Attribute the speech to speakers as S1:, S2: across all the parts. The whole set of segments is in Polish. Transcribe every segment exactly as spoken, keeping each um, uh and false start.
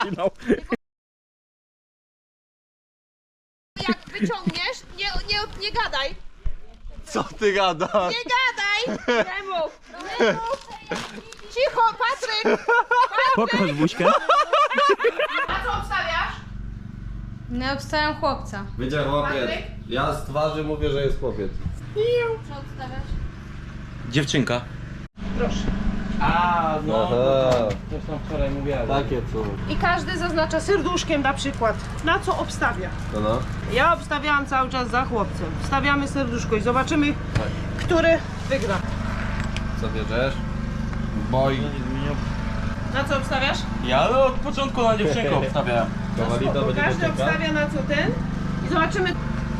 S1: Jak wyciągniesz, nie, nie, nie gadaj.
S2: Co ty gadasz?
S1: Nie gadaj! Nie mów! Nie mów! Cicho, Patryk!
S3: Pokaż buźkę.
S1: A co obstawiasz?
S4: No obstawiam chłopca.
S2: Będzie chłopiec.
S1: Patryk?
S2: Ja z twarzy mówię, że jest chłopiec.
S4: Co obstawiasz?
S3: Dziewczynka.
S1: Proszę.
S3: A, no.
S2: Aha.
S3: Coś tam wczoraj mówiłem.
S2: Takie co?
S1: I każdy zaznacza serduszkiem na przykład, na co obstawia.
S2: No no.
S1: Ja obstawiałam cały czas za chłopcem. Wstawiamy serduszko i zobaczymy, który wygra.
S2: Co bierzesz? Boj.
S1: Na co obstawiasz?
S3: Ja no, od początku na dziewczynkę obstawiałem.
S2: Kowalida
S1: Bo
S2: będzie
S1: każdy
S2: dziewczynka?
S1: obstawia na co ten. I zobaczymy.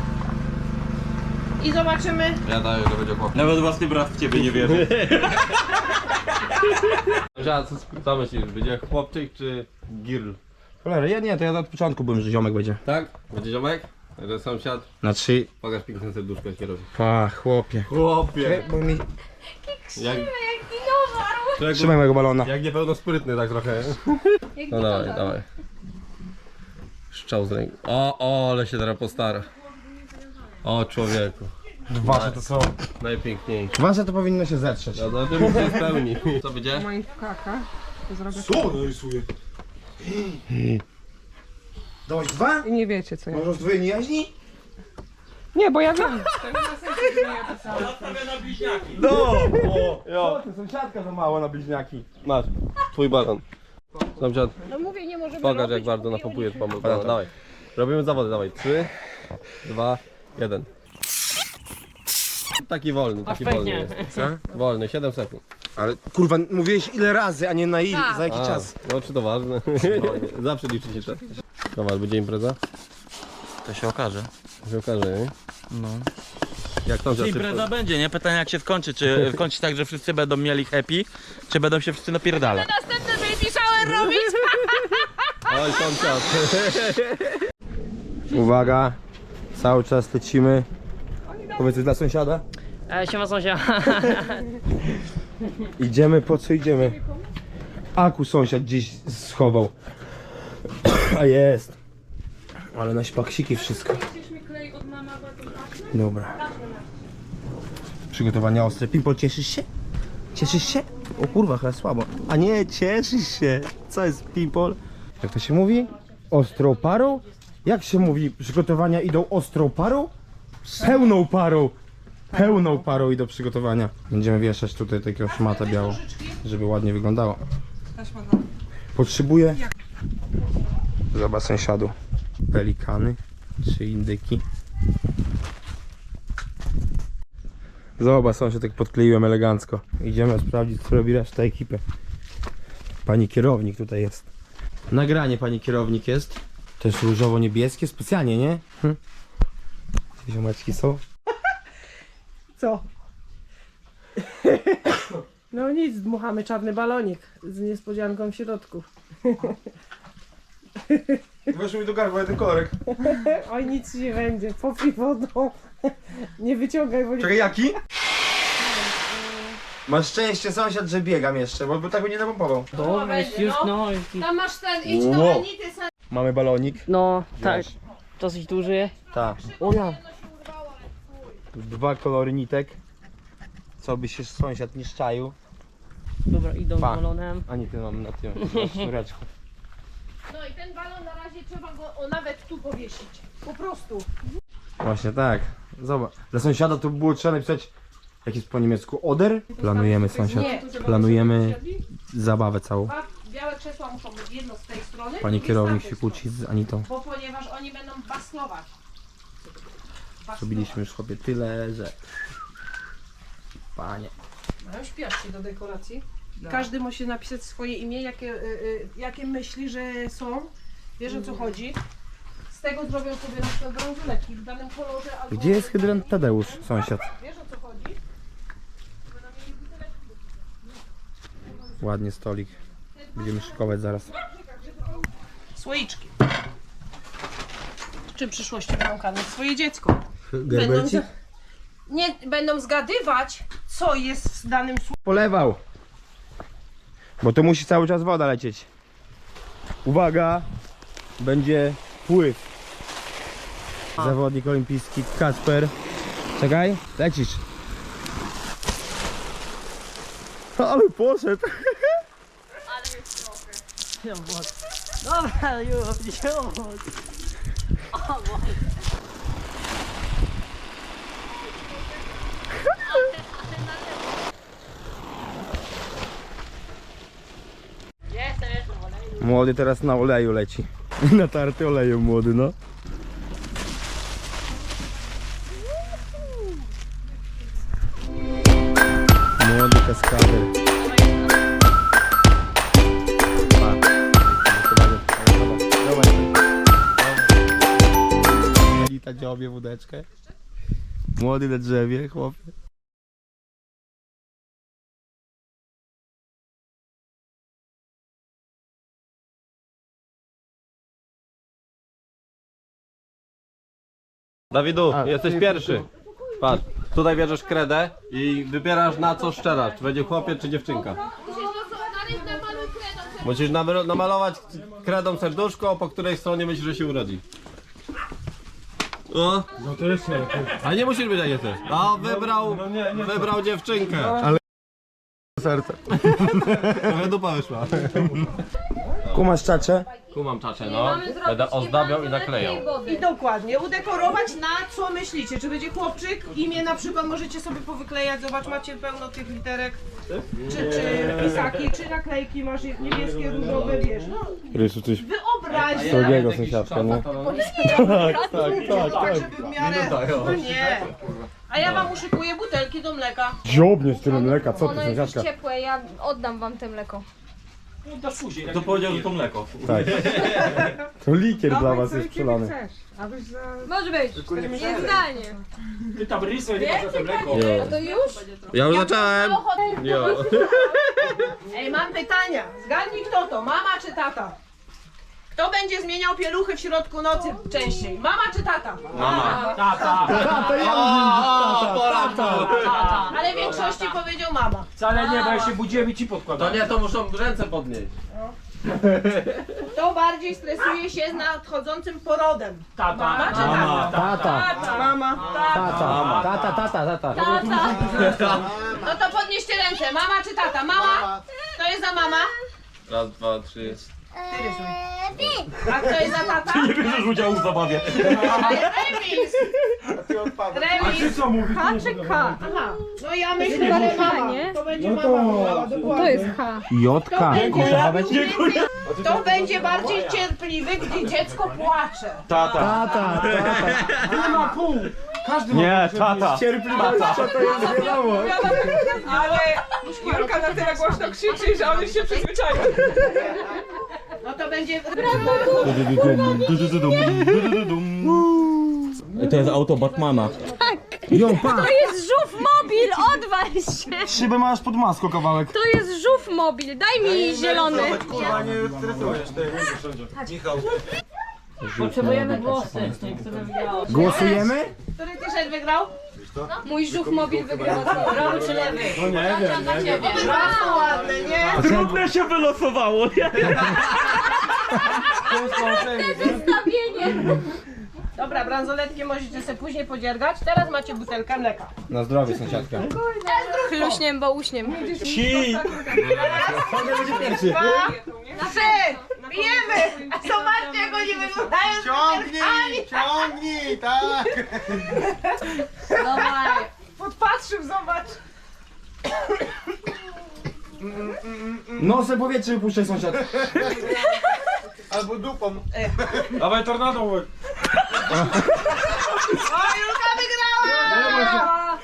S1: I zobaczymy.
S2: Ja daję, że będzie chłopiec.
S3: Nawet własny brat w ciebie nie wierzy.
S2: Ja, co, co myślisz? Będzie chłopczyk czy girl?
S5: Cholera, ja nie, to ja od początku byłem, że ziomek będzie.
S2: Tak? Będzie ziomek? Że sąsiad?
S5: Na trzy.
S2: Pokaż piękne serduszko, jak się robi.
S5: Pa, chłopie.
S2: Chłopie!
S5: Bo mi...
S2: Jak,
S4: Dinozaur!
S5: Trzymaj mojego balona.
S2: jak niepełnosprytny tak trochę.
S4: Jak
S2: No dawaj, dawaj. Szczał z ręki. O, o, ale się teraz postara. O, człowieku.
S5: Dwa to są.
S2: Najpiękniejszy.
S5: Dwa to powinno się zetrzeć.
S2: No to tym się spełni. Co będzie?
S1: Moim kaka. To zrobię.
S5: Co on rysuje? Dałeś dwa?
S1: I nie wiecie co ja.
S5: Może rozdwojenie jaźni?
S1: Nie, bo ja wiem.
S5: No! O, jo. Ty, sąsiadka za mało na bliźniaki.
S2: Masz, twój balon. Sąsiad,
S1: No mówię, nie możemy
S2: pokaż
S1: robić,
S2: jak bardzo
S1: bo
S2: napompujesz
S1: nie-
S2: pomysł. Dobra, dawaj. Robimy zawody, dawaj. Trzy, dwa, jeden. Taki wolny, taki wolny jest. Wolny, siedem sekund.
S5: Ale kurwa, mówiłeś ile razy, a nie na ile,
S4: Tak.
S5: za jaki
S2: A,
S5: czas?
S2: no czy to ważne? Zawsze liczy się czas. Dobra, będzie impreza?
S3: To się okaże.
S2: Się okaże, nie?
S3: No.
S2: Jak tam
S3: Impreza będzie, nie? Pytanie jak się skończy. Czy skończy tak, że wszyscy będą mieli happy, czy będą się wszyscy napierdalać?
S1: Następny baby shower robić.
S2: Oj, sąsiad.
S5: Uwaga, cały czas lecimy. Powiedz dla sąsiada.
S6: E, siema sąsiad.
S5: Idziemy, po co idziemy? Aku sąsiad gdzieś schował. A jest. Ale na śpaksiki wszystko. Dobra. Przygotowania ostre. Pimpol, cieszysz się? Cieszysz się? O kurwa, chyba słabo. A nie, cieszysz się. Co jest Pimpol? Jak to się mówi? Ostrą parą? Jak się mówi? Przygotowania idą ostrą parą? Pełną parą. Pełną parą i do przygotowania. Będziemy wieszać tutaj takiego szmatę białą, żeby ładnie wyglądało. Potrzebuję. Zobacz sąsiadu. Pelikany czy indyki. Zobacz sąsiad, jak podkleiłem elegancko. Idziemy sprawdzić, co robi reszta ekipy. Pani kierownik tutaj jest. Nagranie pani kierownik jest. To jest różowo-niebieskie specjalnie, nie? Hm? Te ziomeczki są.
S1: Co? No nic, dmuchamy czarny balonik z niespodzianką w środku.
S5: Weszło mi do gardła jeden kolorek.
S1: Oj, nic ci nie będzie, popij wodą. Nie wyciągaj, bo nie...
S5: Czekaj, jaki? Masz szczęście sąsiad, że biegam jeszcze, bo, bo tak by nie napompował.
S6: Dobra, jest już no.
S4: Tam masz ten, idź do
S5: Wow.
S4: Anity.
S5: Mamy balonik.
S6: No, tak.
S5: Wiesz.
S6: Dosyć duży.
S5: Tak.
S6: O ja.
S5: Dwa kolory nitek. Co by się sąsiad nie szczaił.
S6: Dobra, idą z
S5: Pa.
S6: balonem.
S5: Ani ty mam na tym na sznureczku.
S1: No i ten balon na razie trzeba go o, nawet tu powiesić. Po prostu.
S5: Właśnie tak. Zobacz. Dla sąsiada to było trzeba napisać, jak jest po niemiecku, oder. Planujemy sąsiad.
S1: Nie.
S5: Planujemy zabawę całą.
S1: Dwa białe krzesła muszą być jedno z tej strony.
S5: Pani
S1: drugie z
S5: kierownik
S1: tamtej
S5: się kłóci z Anitą.
S1: strony. Bo ponieważ oni będą baslować.
S5: Zrobiliśmy już chłopie tyle, że... Panie.
S1: Mają śpiaszki do dekoracji. Każdy musi napisać swoje imię, jakie, y, y, jakie myśli, że są. Wiesz o co chodzi? Z tego zrobią sobie na przykład bransoletki w danym kolorze albo...
S5: Gdzie jest hydrant Tadeusz, sąsiad?
S1: Wiesz o co chodzi?
S5: Ładnie stolik. Będziemy szykować zaraz.
S1: Słoiczki. Czym w przyszłości będą karmić swoje dziecko? Będą,
S5: Gerberci?
S1: za- nie, będą zgadywać, co jest w danym słoiczku.
S5: Polewał. Bo to musi cały czas woda lecieć. Uwaga, będzie pływ. Zawodnik olimpijski Kacper. Czekaj, lecisz. Ale poszedł.
S6: Dobra, już, już.
S5: Młody teraz na oleju leci. Natarty olejem młody, no. Młody kaskader. Pa. Elita dziobie wódeczkę. Młody na drzewie, chłopie.
S2: Dawidu,
S5: A,
S2: jesteś
S5: ty-
S2: pierwszy. Patrz, tutaj bierzesz kredę i wybierasz na co szczerasz. Czy będzie chłopiec czy dziewczynka. Musisz namalo- namalować kredą serduszko, po której stronie myślisz, że się urodzi. O.
S5: No to jeszcze lepiej.
S2: A nie musisz być jak jesteś. A wybrał, wybrał dziewczynkę.
S5: Serce.
S2: Trochę dupa wyszła.
S5: Kumasz czacze?
S2: Kumam czacze, no. Będę ozdabiał i naklejał.
S1: I dokładnie, udekorować na co myślicie, czy będzie chłopczyk, imię na przykład możecie sobie powyklejać, zobacz, macie pełno tych literek, czy, czy pisaki, czy naklejki, masz niebieskie, różowe, wiesz, no
S5: Rysu coś
S1: wyobraź
S5: srogiego sąsiadka, nie? Tak, tak, tak,
S1: tak, żeby w miarę, no nie. A ja wam uszykuję butelki do mleka.
S5: Dziobnie z tyle mleka, co ty
S4: Ono jest już
S5: sąsiadka?
S4: ciepłe, ja oddam wam te mleko.
S3: To powiedział, że to mleko.
S5: Tak. To likier dla was jest przelany.
S4: Może być, niezdalnie.
S7: Ty tam rysy, nie masz za to mleko.
S4: A to już?
S2: Ja już zacząłem. Jo.
S1: Ej, mam pytania, zgadnij kto to, mama czy tata? Kto będzie zmieniał pieluchy w środku nocy częściej, mama czy tata?
S2: Mama.
S7: Tata,
S1: Ale w większości powiedział mama.
S7: wcale nie, bo ja się budziłem i ci podkładam.
S2: To nie, to muszą ręce podnieść.
S1: Kto bardziej stresuje się z nadchodzącym porodem?
S7: Tata.
S1: Mama czy
S7: Mama.
S1: tata?
S5: Tata,
S1: Tata. Mama. Tata.
S5: tata, tata, tata, tata.
S1: Tata. No to podnieście ręce, mama czy tata? Mama? Kto jest za mama?
S2: Raz, dwa, trzy.
S1: A kto jest za tata?
S7: Nie bierzesz udziału w zabawie.
S1: Remis! Remis!
S7: Co mówisz?
S4: H czy K?
S1: Aha, no ja myślę, że mama.
S4: nie?
S1: To będzie mama mówiła, dokładnie.
S4: To jest H.
S5: Jotka.
S1: Kto będzie bardziej cierpliwy, gdy dziecko płacze?
S7: Tata.
S5: Tata, tata.
S7: Nie ma pół. Każdy
S3: Nie, tata.
S5: Cierpliwość, co to jest wiadomo.
S1: Ale Julka na tyle głośno krzyczy, że on już się przyzwyczaił. No to będzie...
S3: To jest auto Batmana.
S5: Jo, pa!
S4: To jest żółw mobil, odwal się!
S5: Szybę masz pod maską kawałek.
S4: To jest żółw mobil, daj mi zielony.
S6: Potrzebujemy głosy, kto wygrał.
S5: Głosujemy?
S1: Który t-shirt wygrał?
S4: Mój żółw mobil wygrał.
S6: Prawy czy lewy?
S1: Bardzo ładne, nie?
S3: Trudne się wylosowało, nie?
S4: Zestawienie.
S1: Dobra, bransoletki możecie sobie później podziergać. Teraz macie butelkę mleka.
S5: Na zdrowie sąsiadka.
S4: Chluśniem, bo uśniem.
S3: Ci!
S1: Trzy! Pijemy! A zobaczcie, jak oni wyglądają z butelkami.
S8: Ciągnij, tak!
S1: Dawaj. Podpatrzył, zobacz.
S5: Nosem powietrze wypuszczaj sąsiad.
S8: Albo dupą.
S7: Dawaj tornado.
S1: O, Julka wygrała!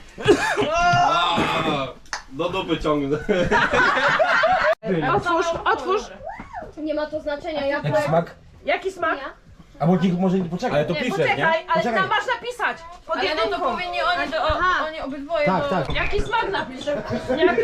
S2: Do dupy ciągnę.
S1: Otwórz, otwórz.
S4: Nie ma to znaczenia, ja
S5: Jaki smak?
S1: Jaki smak?
S5: A bo nikt może nie poczekaj. Ale to pisze,
S1: Poczekaj, ale
S5: Poczekaj.
S1: tam masz napisać. Pod
S4: Ale no
S1: jedynką.
S4: to powinni oni, do, oni obydwoje.
S5: Tak,
S4: bo...
S5: tak.
S1: Jaki smak napiszę? Jaki...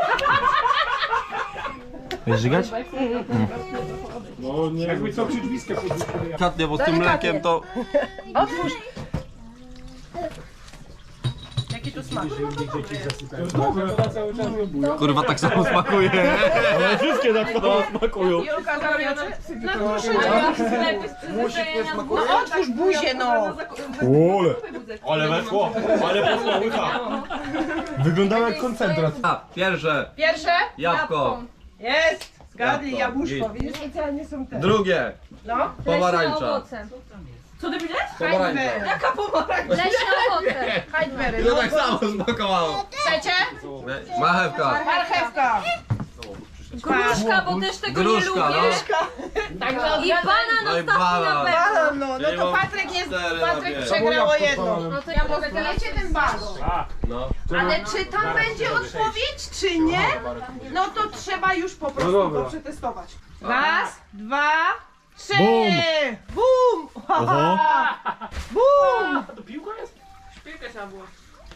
S5: Będziesz żygać?
S7: No nie. Jakby co przydwiskę podnieść.
S2: Delikatnie, bo z tym mlekiem to...
S1: Otwórz. Jaki tu smak?
S2: Kurwa, tak samo smakuje.
S3: Ale wszystkie tak samo smakują.
S1: Julka, zamknij oczy. Na proszę.
S8: Musik nie smakuje?
S1: No otwórz buzię, no.
S5: Ole.
S7: Ale weszło, ale poszło łycha.
S5: Wyglądało jak koncentrat.
S2: A, pierwsze,
S1: Pierwsze?
S2: jabłko.
S1: Jest. Zgadnij,
S2: Jabłko.
S1: jabłuszko.
S2: Git.
S1: Widzisz, specjalnie są te.
S2: Drugie,
S1: No.
S2: pomarańcza.
S1: Co ty powiedziałeś?
S2: Pomarańcza.
S1: Jaka pomarańcza?
S4: Leśne owoce.
S1: Hajdbery.
S2: To tak samo smakowało.
S1: Trzecie?
S2: Marchewka.
S1: Marchewka.
S4: Gruszka, bo też tego
S2: Gruszka,
S4: nie
S2: no.
S4: lubię.
S1: Także
S4: I banan
S2: No i
S4: ostatni na
S2: banan.
S4: pewno.
S1: balon, no. No
S2: Czyli
S1: to
S2: mam
S1: Patryk jest,
S2: cztery na
S1: Patryk
S2: pięć.
S1: przegrało jedno.
S4: No to ja mogę teraz...
S1: Wiecie ten balon.
S2: No.
S1: Ale czy tam będzie odpowiedź, czy nie? No to trzeba już po prostu go przetestować. Raz, dwa, trzy!
S5: Bum.
S1: Bum!
S5: Oho.
S1: Bum!
S7: To piłka jest?
S1: Szpilkę trzeba było.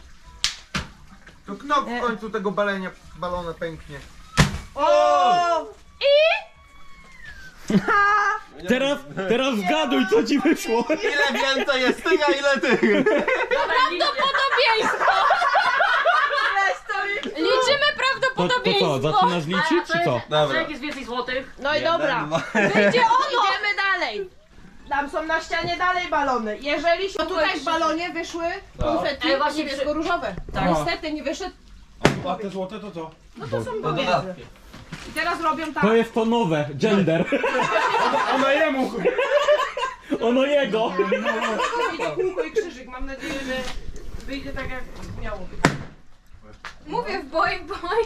S8: To kno w końcu tego balenia, balona pęknie.
S1: O!
S3: Teraz, teraz zgaduj, co ci wyszło.
S2: Ile więcej jest tych, a ile tych?
S4: Prawdopodobieństwo. Liczymy
S3: To, to
S4: prawdopodobieństwo.
S3: co, zaczynasz liczyć, czy co?
S2: Dobra.
S6: Jak jest więcej złotych?
S1: No i dobra.
S4: Będzie ono.
S1: Idziemy dalej. Tam są na ścianie dalej balony. Jeżeli się... No tutaj w balonie wyszły konfetti
S6: Ej, właśnie
S1: niebiesko-różowe.
S7: Tak.
S1: Niestety nie wyszedł.
S7: A te złote to co?
S1: No to są
S2: To
S1: pomiędzy.
S2: dodatki.
S1: I teraz robią tak.
S3: To jest to nowe, gender.
S7: Ona jemu!
S3: Ono jego.
S1: Wyjdzie kółko i krzyżyk. Mam nadzieję, że wyjdzie tak jak miało być.
S4: Mówię w boj, boj.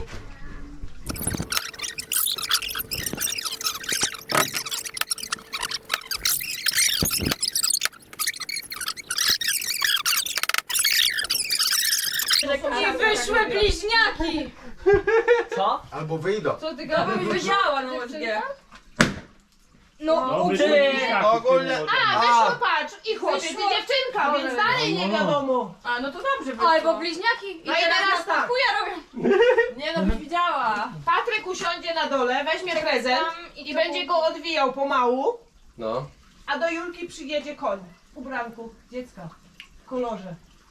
S4: I wyszły bliźniaki.
S6: Co?
S8: Albo wyjdą.
S4: Co ty gadasz? Wiedziała na U S G. No,
S3: Dobry
S4: ty.
S8: Ogólnie...
S1: A, wyszło, patrz, i chłopiec i
S4: Wyszło.
S1: dziewczynka, więc dalej nie wiadomo.
S4: A, no to dobrze wyszło. Albo bliźniaki i
S1: No i
S4: teraz
S1: teraz
S4: na
S1: tak.
S4: chuja robią. Nie no, byś widziała.
S1: Patryk usiądzie na dole, weźmie prezent
S4: tam i
S1: i
S4: to
S1: będzie go odwijał pomału,
S2: No.
S1: a do Julki przyjedzie koń w ubranku dziecka w kolorze.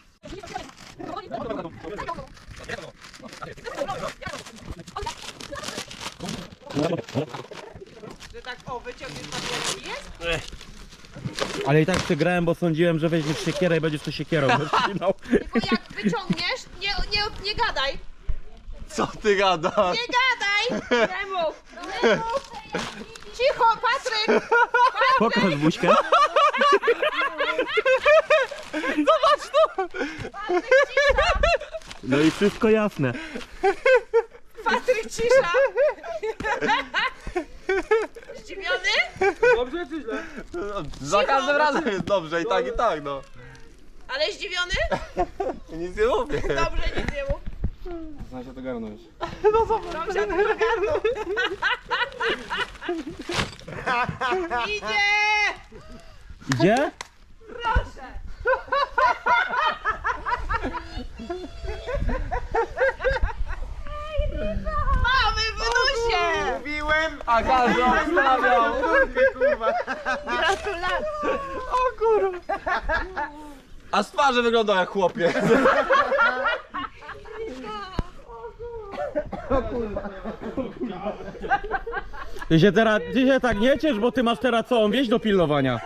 S1: Że tak o, wyciągniesz papierki, jest?
S3: Ale i tak przegrałem, bo sądziłem, że weźmiesz siekierę i będziesz to siekierą rozcinał.
S1: Tylko jak wyciągniesz, nie, nie, nie gadaj,
S2: Co ty gadasz?
S1: nie gadaj! Nie mów, nie mów! Cicho, Patryk!
S3: Pokaż buźkę. No i wszystko jasne.
S1: Patryk, cisza! Zdziwiony?
S7: Dobrze czy źle?
S2: Za każdym razem jest dobrze, i tak, i tak, no.
S1: Ale zdziwiony?
S2: Nic nie mówię.
S1: Dobrze, nic nie mów.
S7: Znam się to garnąć.
S1: Dobrze, to ogarnął. Idzie!
S3: Idzie?
S1: Proszę! Mamy wnusie!
S8: Mówiłem!
S2: A każdy obstawiał.
S8: Kurwa!
S1: Gratulacje!
S2: A z twarzy wygląda jak chłopiec.
S3: Ty się teraz, ty się tak nie ciesz, bo ty masz teraz całą wieś do pilnowania.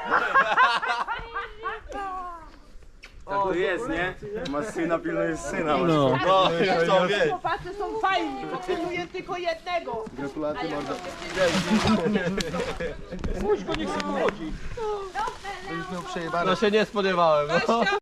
S8: Tak to jest, nie? Masz syna, pilnujesz syna.
S3: No.
S2: No, co wiesz.
S1: Chłopacy są fajni, potrzebuję tylko jednego.
S8: Gratulacje mordo.
S7: Puść go, niech sobie chodzi.
S8: To już miał przejebane.
S2: No się nie spodziewałem. No.